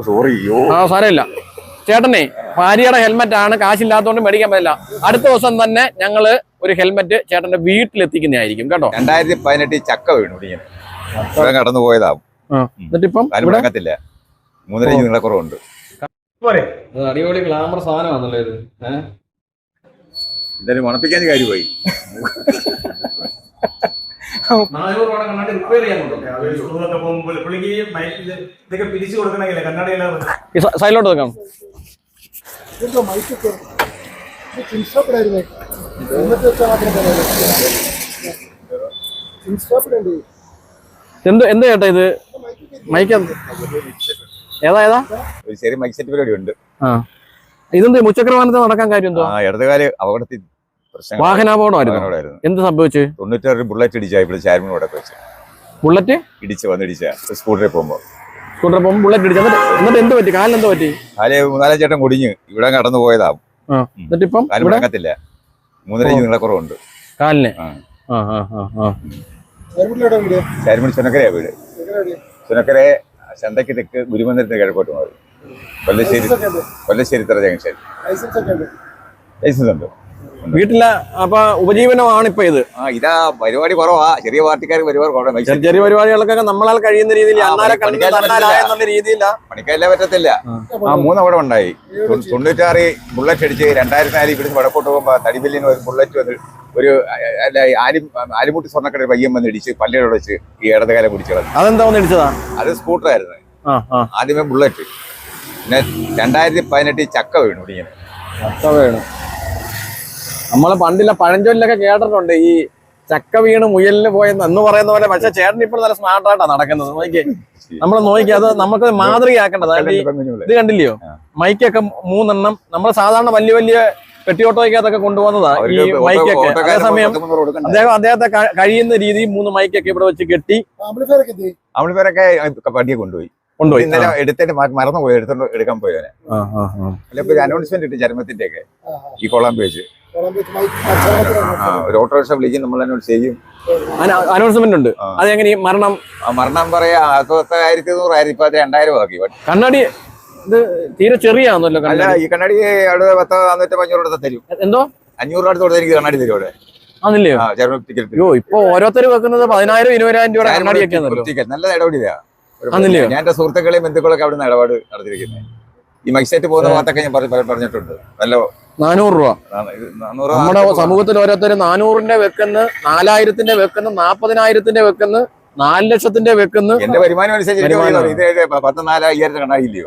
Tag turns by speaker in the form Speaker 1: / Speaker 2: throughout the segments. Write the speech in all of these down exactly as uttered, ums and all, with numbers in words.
Speaker 1: Sorry.
Speaker 2: ആ സാരമില്ല ചേട്ടനെ, ഭാര്യയുടെ ഹെൽമെറ്റ് ആണ്, കാശില്ലാത്തതുകൊണ്ട് മേടിക്കാൻ പറ്റില്ല. അടുത്ത ദിവസം തന്നെ ഞങ്ങള് ഒരു ഹെൽമെറ്റ് ചേട്ടന്റെ വീട്ടിലെത്തിക്കുന്നതായിരിക്കും കേട്ടോ.
Speaker 1: രണ്ടായിരത്തി പതിനെട്ടിൽ ചക്ക വീണു ഇങ്ങനെ കടന്നു പോയതാവും.
Speaker 2: എന്നിട്ടിപ്പം
Speaker 1: ത്തില്ല മൂന്നര നീള കുറവുണ്ട്.
Speaker 2: അടിപൊളി ഗ്ലാമർ സാധനമാണല്ലോ ഇത്.
Speaker 1: എന്തായാലും മണപ്പിക്കാൻ കാര്യമായി.
Speaker 2: സൈലോട്ട് വെക്കാം. എന്ത് എന്ത് ചേട്ടാ ഇത്? മൈക്ക് ഏതാ ഏതാ
Speaker 1: ഒരു ചെറിയ മൈക്ക് സെറ്റ് പരിപാടി ഉണ്ട്.
Speaker 2: ആ ഇതെന്ത് മുച്ചക്ര വാഹനത്തിൽ നടക്കാൻ കാര്യം എന്തോ?
Speaker 1: ഇടതുകാല് അപകടത്തിൽ
Speaker 2: വാഹനാപകടമായിരുന്നു. എന്ത് സംഭവിച്ചു?
Speaker 1: തൊണ്ണൂറ്റാറ് ബുള്ളറ്റ് ഇടിച്ചാ ഇവിടെ ചാരുമോടെ വെച്ച്
Speaker 2: ബുള്ളറ്റ്
Speaker 1: ഇടിച്ച് വന്നിടിച്ച സ്കൂട്ടറിൽ പോകുമ്പോ
Speaker 2: സ്കൂട്ടറിൽ പോകുമ്പോൾ ബുള്ളറ്റ് ഇടിച്ചു. എന്നിട്ട് എന്ത് പറ്റി? കാലിന് എന്ത് പറ്റി?
Speaker 1: കാല് മൂന്നാലാം ചേട്ടൻ കുടിഞ്ഞ് ഇവിടെ കടന്നു പോയതാവും.
Speaker 2: എന്നിട്ടിപ്പം
Speaker 1: കാല് മുടങ്ങത്തില്ല. മൂന്നര നീള കുറവുണ്ട്
Speaker 2: കാലിന്.
Speaker 1: ചാരുമണി ചുനക്കരയാ വീട്. ചുനക്കര ചന്തയ്ക്ക് തെക്ക് ഗുരുമന്ദിരത്തിന് കിഴക്കോട്ട് മാറി. കൊല്ലശ്ശേരി കൊല്ലശ്ശേരി തറ ജംഗ്ഷൻ. ലൈസൻസ് ഉണ്ട്
Speaker 2: വീട്ടിലെ. അപ്പൊ ഉപജീവനമാണ് ഇപ്പൊ ഇത്.
Speaker 1: ആ ഇതാ പരിപാടി കുറവാ. ചെറിയ പാർട്ടിക്കാർ പരിപാടി
Speaker 2: ചെറിയ പരിപാടികളൊക്കെ നമ്മളാൽ കഴിയുന്ന രീതിയിൽ രീതിയില്ല.
Speaker 1: പണിക്കാരില്ല പറ്റത്തില്ല. ആ മൂന്ന് അവിടെ ഉണ്ടായി. തൊണ്ണൂറ്റാറ് ബുള്ളറ്റ് അടിച്ച് രണ്ടായിരത്തി നാലിൽ ഇവിടുന്ന് വടക്കോട്ട് പോകുമ്പോ തടിബില്ലിന് ഒരു ബുള്ളറ്റ് വന്ന് ഒരു അല്ല ആലി ആലിമുട്ടി സ്വർണ്ണക്കട പയ്യം വന്ന് ഇടിച്ച് പല്ലിയോട് വെച്ച് ഈ ഇടതുകാലം കുടിച്ചു കളഞ്ഞു.
Speaker 2: അതെന്താ വന്ന് ഇടിച്ചതാ?
Speaker 1: അത് സ്കൂട്ടറായിരുന്നു. ആദ്യമേ ബുള്ളറ്റ്. പിന്നെ രണ്ടായിരത്തി പതിനെട്ടിൽ ചക്ക വീണു ഇങ്ങനെ.
Speaker 2: ചക്ക വീണു. നമ്മള് പണ്ടില്ല പഴഞ്ചൊല്ലൊക്കെ കേട്ടിട്ടുണ്ട്, ഈ ചക്ക വീണ് മുയലിന് പോയെന്ന് എന്ന് പറയുന്ന പോലെ. പക്ഷെ ചേട്ടൻ ഇപ്പോൾ നല്ല സ്മാർട്ടായിട്ടാണ് നടക്കുന്നത്. നോക്കിയേ, നമ്മള് നോക്കിയേ, അത് നമുക്ക് മാതൃകയാക്കേണ്ടത്. ഇത് കണ്ടില്ലയോ, മൈക്കൊക്കെ മൂന്നെണ്ണം. നമ്മൾ സാധാരണ വലിയ വലിയ പെട്ടിയോട്ടോയ്ക്കകത്തൊക്കെ കൊണ്ടുപോകുന്നതാ ഈ മൈക്കൊക്കെ. അതേസമയം അദ്ദേഹം അദ്ദേഹത്തെ കഴിയുന്ന രീതിയിൽ മൂന്ന് മൈക്കൊക്കെ ഇവിടെ വെച്ച് കെട്ടി.
Speaker 1: ആമ്പിളിഫയറൊക്കെ പട്ടിയെ കൊണ്ടുപോയി കൊണ്ടുപോയി ഇന്നലെ എടുത്തിട്ട് മറന്നു പോയി. എടുത്തോണ്ട് എടുക്കാൻ പോയവനെ. അല്ല ഇപ്പൊ അനൗൺസ്മെന്റ് ഇട്ട് ചരമത്തിന്റെ ഒക്കെ ഈ കൊളാമ്പി വെച്ച് ഒരു ഓട്ടോറിക്ഷ വിളിക്കും, നമ്മൾ അനൗൺസ് ചെയ്യും.
Speaker 2: അനൗൺസ്മെന്റ് ഉണ്ട്. അതെങ്ങനെ മരണം
Speaker 1: മരണം പറയാ ആയിരത്തി നൂറ് ആയിരത്തി ഇപ്പൊ രണ്ടായിരം ആക്കി.
Speaker 2: കണ്ണാടി ഇത് തീരെ ചെറിയാന്നല്ലോ.
Speaker 1: അല്ല ഈ കണ്ണാടി അവിടെ പത്ത് നാനൂറ്റി അഞ്ഞൂറ് അടുത്ത് തരും.
Speaker 2: എന്തോ
Speaker 1: അഞ്ഞൂറ് അടുത്ത് കൊടുത്ത് എനിക്ക് കണ്ണാടി തരും അവിടെ.
Speaker 2: ആണല്ലയോ? അയ്യോ, ഇപ്പൊ ഓരോരുത്തർ വെക്കുന്നത് പതിനായിരം ഇരുപതിനായിരം രൂപ കണ്ണാടിയൊക്കെ
Speaker 1: നല്ല ഇടപെടില്ല. ഞാൻ എന്റെ സുഹൃത്തുക്കളെയും ബന്ധുക്കളൊക്കെ അവിടെ നിന്ന് ഇടപാട് നടത്തിയിരിക്കുന്നത്. ഈ മൈസൈറ്റ് പോകുന്ന ഭാഗത്തൊക്കെ ഞാൻ പറഞ്ഞിട്ടുണ്ട്. നല്ല നാനൂറ് രൂപ നമ്മുടെ
Speaker 2: സമൂഹത്തിൽ ഓരോരുത്തർ നാനൂറിന്റെ വെക്കുന്ന, നാലായിരത്തിന്റെ വെക്കുന്ന, നാപ്പതിനായിരത്തിന്റെ വെക്കുന്ന, നാല് ലക്ഷത്തിന്റെ വെക്കുന്ന.
Speaker 1: എന്റെ വരുമാനം അനുസരിച്ച് പത്ത് നാലായിരത്തി കണ്ണാടിയില്ലയോ?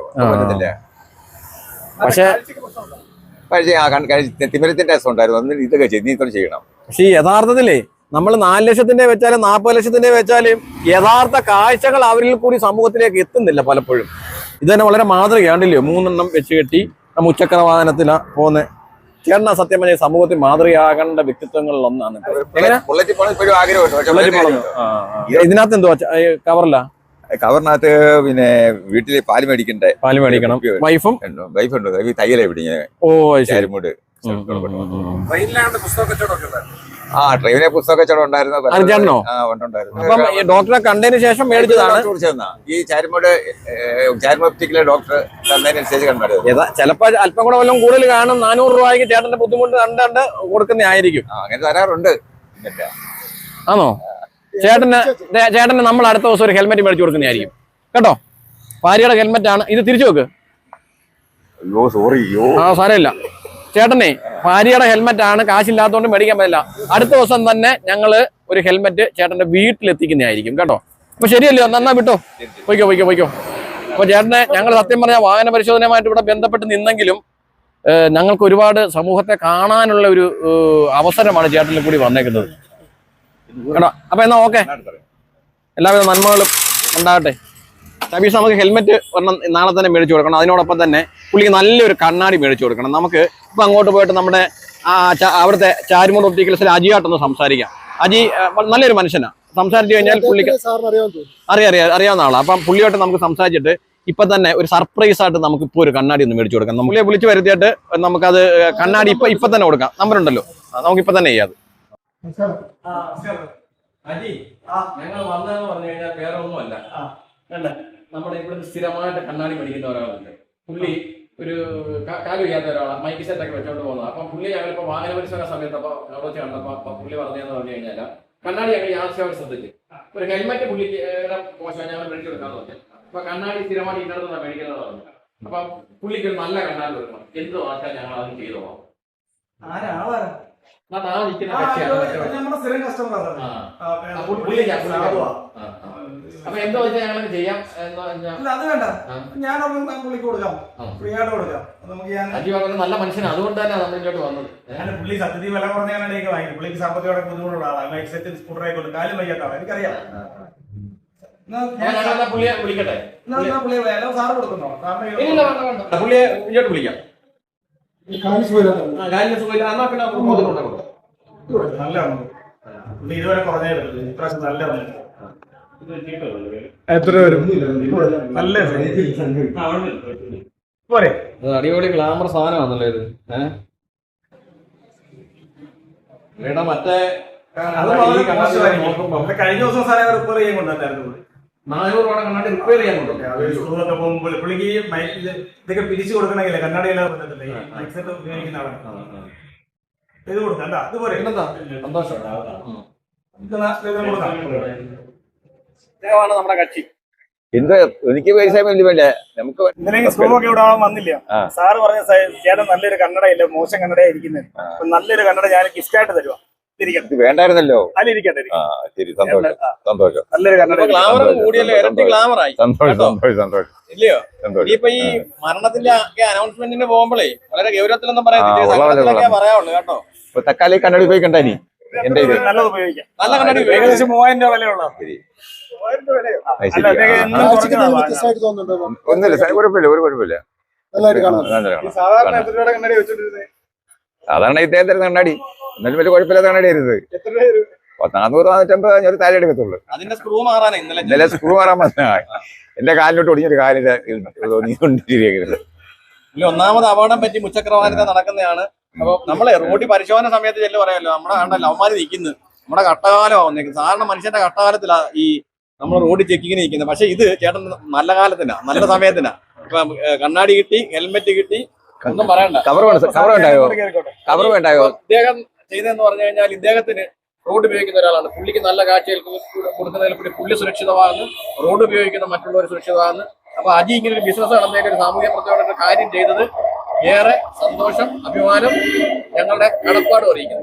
Speaker 2: പക്ഷെ
Speaker 1: പക്ഷേ തിമിരത്തിന്റെ രസം ഉണ്ടായിരുന്നു. അന്ന് ഇതൊക്കെ ചെയ്ത് ചെയ്യണം.
Speaker 2: പക്ഷെ യഥാർത്ഥത്തിലേ നമ്മൾ നാല് ലക്ഷത്തിന്റെ വെച്ചാലും നാൽപ്പത് ലക്ഷത്തിന്റെ വെച്ചാലും യഥാർത്ഥ കാഴ്ചകൾ അവരിൽ കൂടി സമൂഹത്തിലേക്ക് എത്തുന്നില്ല പലപ്പോഴും. ഇത് തന്നെ വളരെ മാതൃകയാണ്ടില്ലയോ? മൂന്നെണ്ണം വെച്ച് കെട്ടി മുച്ചക്ര വാഹനത്തിലാ പോകുന്നത്. ചേട്ടനാ സത്യം പറഞ്ഞ സമൂഹത്തിൽ മാതൃകയാകേണ്ട വ്യക്തിത്വങ്ങളിൽ ഒന്നാണ്. ഇതിനകത്ത് എന്തുവാ കവറില്ല?
Speaker 1: കവറിനകത്ത് പിന്നെ വീട്ടില് പാല് മേടിക്കണ്ടേ?
Speaker 2: പാല് മേടിക്കണം. വൈഫും
Speaker 1: വൈഫുണ്ട്. തയ്യലേ പിടിങ്ങനെ.
Speaker 2: ഓ
Speaker 1: ചാരുമൂട്. ആ ട്രെയിനിലെ പുസ്തക കച്ചവടം ഉണ്ടായിരുന്നു.
Speaker 2: ഡോക്ടറെ കണ്ടതിന് ശേഷം മേടിച്ചതാണ്.
Speaker 1: ഈ ചാരുമൂട് ചാരുമോപ്റ്റിക്കിലെ ഡോക്ടർ തന്നതിനനുസരിച്ച് കണ്ടത്.
Speaker 2: ചിലപ്പോ അല്പം കൂടെ വല്ലതും കൂടുതൽ കാണും. നാനൂറ് രൂപയ്ക്ക് ചേട്ടന്റെ ബുദ്ധിമുട്ട് കണ്ടാണ്ട് കൊടുക്കുന്നതായിരിക്കും.
Speaker 1: അങ്ങനെ തരാറുണ്ട്.
Speaker 2: ആണോ? ചേട്ടന് ചേട്ടന് നമ്മൾ അടുത്ത ദിവസം ഒരു ഹെൽമെറ്റ് മേടിച്ചു കൊടുക്കുന്നതായിരിക്കും കേട്ടോ. ഭാര്യയുടെ ഹെൽമെറ്റ് ആണ് ഇത്. തിരിച്ചു വെക്ക്. ആ സാരമില്ല ചേട്ടനെ, ഭാര്യയുടെ ഹെൽമെറ്റ് ആണ്, കാശില്ലാത്തതുകൊണ്ട് മേടിക്കാൻ പറ്റില്ല. അടുത്ത ദിവസം തന്നെ ഞങ്ങള് ഒരു ഹെൽമെറ്റ് ചേട്ടന്റെ വീട്ടിലെത്തിക്കുന്നതായിരിക്കും കേട്ടോ. അപ്പൊ ശരിയല്ലോ, നന്നാ വിട്ടോ. പോയിക്കോ പോയിക്കോ പോയിക്കോ. അപ്പൊ ചേട്ടനെ ഞങ്ങൾ സത്യം പറഞ്ഞ വാഹന പരിശോധനയുമായിട്ട് ഇവിടെ ബന്ധപ്പെട്ട് നിന്നെങ്കിലും ഞങ്ങൾക്ക് ഒരുപാട് സമൂഹത്തെ കാണാനുള്ള ഒരു അവസരമാണ് ചേട്ടനിൽ കൂടി വന്നേക്കുന്നത് കേട്ടോ. അപ്പൊ എന്നാ ഓക്കെ, എല്ലാവിധ നന്മകളും ഉണ്ടാകട്ടെ. സബീഷ്, നമുക്ക് ഹെൽമെറ്റ് ഒരെണ്ണം നാളെ തന്നെ മേടിച്ചു കൊടുക്കണം. അതിനോടൊപ്പം തന്നെ പുള്ളിക്ക് നല്ലൊരു കണ്ണാടി മേടിച്ചു കൊടുക്കണം. നമുക്ക് ഇപ്പൊ അങ്ങോട്ട് പോയിട്ട് നമ്മുടെ ആ അവിടുത്തെ ചാരുമൂട് ഒപ്റ്റിക്കൽസിൽ അജിയായിട്ടൊന്ന് സംസാരിക്കാം. അജി നല്ലൊരു മനുഷ്യനാണ്. സംസാരിച്ചു കഴിഞ്ഞാൽ പുള്ളിക്ക് അറിയാം അറിയാം അറിയാവുന്ന ആളാണ്. അപ്പം പുള്ളിയായിട്ട് നമുക്ക് സംസാരിച്ചിട്ട് ഇപ്പൊ തന്നെ ഒരു സർപ്രൈസ് ആയിട്ട് നമുക്ക് ഇപ്പോൾ ഒരു കണ്ണാടി ഒന്ന് മേടിച്ചു കൊടുക്കാം. പുള്ളിയെ വിളിച്ചു വരുത്തിയിട്ട് നമുക്കത് കണ്ണാടി ഇപ്പൊ ഇപ്പൊ തന്നെ കൊടുക്കാം. നമ്പർ ഉണ്ടല്ലോ, നമുക്ക് ഇപ്പൊ തന്നെ ചെയ്യാം. ഞങ്ങൾ വന്നതെന്ന് പറഞ്ഞു കഴിഞ്ഞാൽ വേറെ ഒന്നുമല്ല. നമ്മുടെ ഇവിടെ സ്ഥിരമായിട്ട് കണ്ണാടി മേടിക്കുന്ന ഒരാളുണ്ട്. പുള്ളി ഒരു ക- കാല് വയ്യാത്ത ഒരാളാണ്, മൈക്ക് സെറ്റ് ഒക്കെ വെച്ചോണ്ട് പോകുന്നത്. അപ്പം പുള്ളി ഞങ്ങളിപ്പോ വാഹന പരിശോധന സമയത്ത് അപ്പൊ അവിടെ വെച്ച് കണ്ടപ്പോ അപ്പൊ പുള്ളി പറഞ്ഞതെന്ന് പറഞ്ഞു കഴിഞ്ഞാൽ കണ്ണാടി ഞങ്ങൾ യാതൊരു ശ്രദ്ധിച്ചു. ഒരു ഹെൽമെറ്റ് പുള്ളിക്ക് മോശം ഞങ്ങൾ മേടിച്ചു കൊടുക്കാന്ന് പറഞ്ഞു. അപ്പൊ കണ്ണാടി സ്ഥിരമായിട്ട് ഇന്നടത്തുനിന്ന് മേടിക്കുന്നത് പറഞ്ഞു. അപ്പൊ പുള്ളിക്ക് ഒരു നല്ല കണ്ണാടി കൊടുക്കണം. എന്ത് വാക്കാൻ ഞങ്ങൾ അത് ചെയ്തോളാം. എന്നാ താഴെ നിൽക്കുന്ന കക്ഷിയാണ് മറ്റേ. ആ. അപ്പോൾ പുള്ളിക്കാ പുള്ളിക്കാ. ആ, ആ. അപ്പൊ എന്താ വെച്ചാൽ ഞങ്ങൾ ചെയ്യാം എന്താ വെച്ചാൽ
Speaker 3: അത് വേണ്ട, ഞാനൊന്ന് പുള്ളിക്ക് കൊടുക്കാം, ഫ്രീ ആയിട്ട് കൊടുക്കാം. നമുക്ക് ഞാൻ
Speaker 2: അജി പറഞ്ഞ നല്ല മനുഷ്യനാണ്, അതുകൊണ്ട് തന്നെ നമ്മൾ ഇങ്ങോട്ട് വന്നത്.
Speaker 3: ഞാൻ പുള്ളി സത്യത്തിൽ വില കുറഞ്ഞാണ് എനിക്ക് വാങ്ങി. പുള്ളിക്ക് സാമ്പത്തികമായി ബുദ്ധിമുട്ടുള്ള ആളാണ്. ലൈഫ് സെറ്റ് സ്കൂട്ടർ ആയിക്കോട്ടെ, കാലും വയ്യാത്ത ആളാണ്, എനിക്കറിയാം.
Speaker 2: ഞങ്ങൾ പുള്ളിയെ വിളിക്കട്ടെ.
Speaker 3: പുള്ളിയെ വില സാറ് കൊടുക്കുന്നോ?
Speaker 2: ഇല്ല വേണ്ട വേണ്ട, പുള്ളിയെ ഇങ്ങോട്ട് വിളിക്കാം. കാലിന് സുഖമില്ല എന്നാ പിന്നെ കൊടുക്കാം.
Speaker 3: നല്ല പുള്ളി ഇതുവരെ കുറഞ്ഞേ പറ്റുള്ളൂ, ഇപ്രാവശ്യം നല്ല
Speaker 4: എത്ര വരും?
Speaker 3: നല്ല പോരെ.
Speaker 2: അടിപൊളി ഗ്ലാമർ സാധനമാണല്ലോ ഇത്. ഏടാ മറ്റേ
Speaker 3: അത് വളരെ മോശമായിരിക്കും. കഴിഞ്ഞ ദിവസം സാധനം റിപ്പയർ ചെയ്യാൻ കൊണ്ടുവന്നായിരുന്നു.
Speaker 2: നാനൂറ് രൂപ കണ്ണാടി റിപ്പയർ ചെയ്യാൻ കൊണ്ടുവന്നു.
Speaker 3: സ്കൂളൊക്കെ പോകുമ്പോൾ പുള്ളിക്ക് ഇതൊക്കെ പിരിച്ചു കൊടുക്കണമെങ്കിലേ കണ്ണാടിയെല്ലാം വന്നിട്ടില്ലേ, മൈക്ക് സെറ്റ് ഉപയോഗിക്കുന്ന ആളാണ്. ഇത് കൊടുക്കാം, അത് പോരെ.
Speaker 2: സന്തോഷം.
Speaker 3: കൊടുക്കാം.
Speaker 2: ഇദ്ദേഹമാണ് നമ്മുടെ കക്ഷി.
Speaker 1: എന്ത് എനിക്ക് പൈസ വലിയ വേണ്ട, നമുക്ക്
Speaker 3: ഇന്നലെ സ്കൂളൊക്കെ ഇവിടെ ആവാൻ വന്നില്ല. സാറ് പറഞ്ഞ ചേട്ടൻ നല്ലൊരു കണ്ണടയില്ല, മോശം കണ്ണടയാ ഇരിക്കുന്നത്. നല്ലൊരു കണ്ണട ഞാൻ ഗിഫ്റ്റ് ആയിട്ട് തരുവാ.
Speaker 1: ഇത് വേണ്ടായിരുന്നല്ലോ.
Speaker 3: അതിലിരിക്കട്ടെ.
Speaker 1: ആ ശരി, സന്തോഷം സന്തോഷം.
Speaker 3: നല്ലൊരു കണ്ണട.
Speaker 2: ഗ്ലാമർ കൂടിയല്ലോ, ഇരട്ടി ഗ്ലാമറായി.
Speaker 1: സന്തോഷം സന്തോഷം സന്തോഷം
Speaker 2: ഇല്ലയോ?
Speaker 1: സന്തോഷം.
Speaker 2: ഇനിയിപ്പോ ഈ മരണത്തിന്റെ അനൗൺസ്മെന്റിന് പോകുമ്പോഴേ വളരെ ഗൗരവത്തിലൊന്നും
Speaker 1: ആ, ഉള്ള പോലെ
Speaker 2: പറയാവുള്ളൂ കേട്ടോ.
Speaker 1: ഇപ്പൊ തക്കാളി കണ്ണടി ഉപയോഗിക്കണ്ട ഇനി. എന്റെ ഇത്
Speaker 3: നല്ലത് ഉപയോഗിക്കാം.
Speaker 2: നല്ല കണ്ണാടി
Speaker 3: ഏകദേശം മൂവായിരം രൂപ വിലയുള്ള.
Speaker 1: ശരി.
Speaker 3: അല്ല,
Speaker 1: ശരി.
Speaker 3: അദ്ദേഹം എന്നും കുറയ്ക്കുന്നതാ.
Speaker 1: ഒന്നുമില്ല സാർ, കുഴപ്പമില്ല, ഒരു കുഴപ്പമില്ല. നല്ലതായിട്ട് കാണാം.
Speaker 3: സാധാരണ എത്ര രൂപയുടെ കണ്ണട വെച്ചോണ്ടിരുന്നത്?
Speaker 1: അതാണ് ഇദ്ദേഹം തരുന്ന കണ്ണാടി. എന്നാലും വലിയ കുഴപ്പമില്ലാത്ത കണ്ണാടി ആയിരുന്നത്.
Speaker 3: എത്ര രൂപ വരും?
Speaker 1: നാനൂറ് നാനൂറ്റമ്പത് ഞാൻ താഴെ എടുക്കത്തുള്ളൂ.
Speaker 2: അതിന്റെ സ്ക്രൂ മാറാനേ ഇന്നലെ
Speaker 1: ഇന്നലെ സ്ക്രൂ മാറാൻ വന്ന എന്റെ കാലിലോട്ട് ഒടിഞ്ഞൊരു കാലിന്റെ തോന്നിക്കൊണ്ടിരിക്കുന്നത്.
Speaker 2: ഇല്ല, ഒന്നാമത് അപകടം പറ്റി മുച്ചക്രവാദിത നടക്കുന്നതാണ്. അപ്പൊ നമ്മളെ റോഡിൽ പരിശോധന സമയത്ത് ചെല്ലു പറയാമല്ലോ, നമ്മുടെ കണ്ടല്ലോ അവന്മാര് നിൽക്കുന്നത് നമ്മുടെ കട്ടകാലമാവുന്നേക്കും. സാധാരണ മനുഷ്യന്റെ കട്ടകാലത്തിലാ ഈ നമ്മൾ റോഡിൽ ചെക്കിങ്ങിന് നിൽക്കുന്നത്. പക്ഷെ ഇത് ചേട്ടൻ നല്ല കാലത്തിനാ, നല്ല സമയത്തിനാ. ഇപ്പൊ കണ്ണാടി കിട്ടി, ഹെൽമെറ്റ് കിട്ടി, ഒന്നും പറയണ്ട.
Speaker 1: കവർ കവർ വേണ്ടായോ? കവർ വേണ്ടായോ?
Speaker 2: ഇദ്ദേഹം ചെയ്തതെന്ന് പറഞ്ഞു കഴിഞ്ഞാൽ ഇദ്ദേഹത്തിന് റോഡ് ഉപയോഗിക്കുന്ന ഒരാളാണ്. പുള്ളിക്ക് നല്ല കാഴ്ചയിൽ കൊടുക്കുന്നതിൽ കൂടി പുള്ളി സുരക്ഷിതമാകുന്നു, റോഡ് ഉപയോഗിക്കുന്ന മറ്റുള്ളവർ സുരക്ഷിതമാകുന്നു. അപ്പൊ അജി ഇങ്ങനെ ഒരു ബിസിനസ് നടന്നേക്ക് ഒരു സാമൂഹ്യ പ്രവർത്തകരുടെ കാര്യം ചെയ്തത് ഏറെ സന്തോഷം, അഭിമാനം, ഞങ്ങളുടെ കടപ്പാട് അറിയിക്കുന്നു.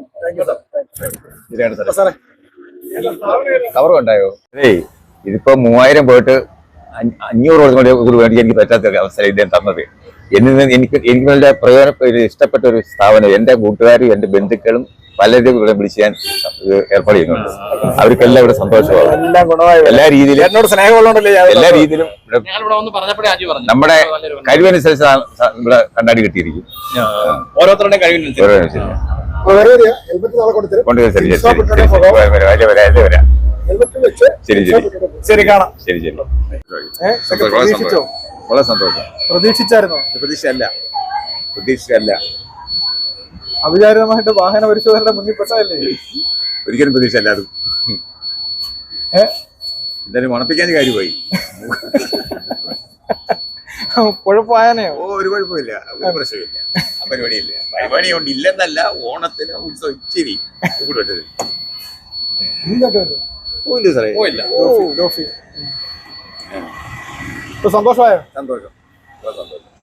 Speaker 1: കവർ ഉണ്ടായോ? ഏയ് ഇതിപ്പോ മൂവായിരം പോയിട്ട് അഞ്ഞ- അഞ്ഞൂറ് കൊടുത്ത് വേണ്ടി എനിക്ക് പറ്റാത്ത അവസ്ഥ ഇദ്ദേഹം തന്നത്. എന്നിൽ എനിക്ക് എനിക്ക് വളരെ പ്രയോജന ഇഷ്ടപ്പെട്ട ഒരു സ്ഥാപനം. എന്റെ കൂട്ടുകാരും എന്റെ ബന്ധുക്കളും പലരും ഇവിടെ വിളിച്ച് ഞാൻ ഏർപ്പാട് ചെയ്യുന്നുണ്ട്. അവർക്കെല്ലാം ഇവിടെ സന്തോഷമാണ്.
Speaker 3: എല്ലാം ഗുണമായി.
Speaker 1: എല്ലാ രീതിയിലും
Speaker 3: എന്നോട് സ്നേഹമുള്ളതുകൊണ്ടല്ലേ
Speaker 1: എല്ലാ രീതിയിലും ഇവിടെ
Speaker 2: ഞാനിവിടെ വന്ന് പറഞ്ഞപ്പോഴേ അജി പറഞ്ഞു
Speaker 1: നമ്മുടെ കഴിവനുസരിച്ച് ഇവിടെ കണ്ണാടി കിട്ടിയിരിക്കും.
Speaker 2: ഓരോരുത്തരുടെയും കഴിവിനനുസരിച്ച്.
Speaker 1: കൊണ്ടുവരാം. ശരി ശരി ശരി ശരി ശരി വരാം വരാം വരാം വരാം. ശരി ശരി
Speaker 3: ശരി, കാണാം.
Speaker 1: ശരി ശരി വളരെ സന്തോഷം. വളരെ സന്തോഷം.
Speaker 4: പ്രതീക്ഷിച്ചായിരുന്നോ?
Speaker 1: പ്രതീക്ഷയല്ല പ്രതീക്ഷയല്ല
Speaker 4: അവിചാരിതമായിട്ട് വാഹന പരിശോധനയുടെ മുന്നിൽ പെട്ടതല്ലേ?
Speaker 1: ഒരിക്കലും പ്രതീക്ഷയല്ല. അത്
Speaker 4: ഏഹ്
Speaker 1: എന്തായാലും മണപ്പിക്കാൻ കാര്യമായി.
Speaker 4: കുഴപ്പമായനെയോ?
Speaker 1: ഓ ഒരു കുഴപ്പമില്ല, ഒരു പ്രശ്നമില്ല. ആ പരിപാടിയില്ല. പരിപാടി കൊണ്ട് ഇല്ലെന്നല്ല, ഓണത്തിന് ഉത്സവം ഇച്ചിരി കൂടെ പോയില്ല സാറേ.
Speaker 2: പോയില്ല.
Speaker 4: ഇപ്പൊ സന്തോഷമായോ?
Speaker 1: സന്തോഷം സന്തോഷം.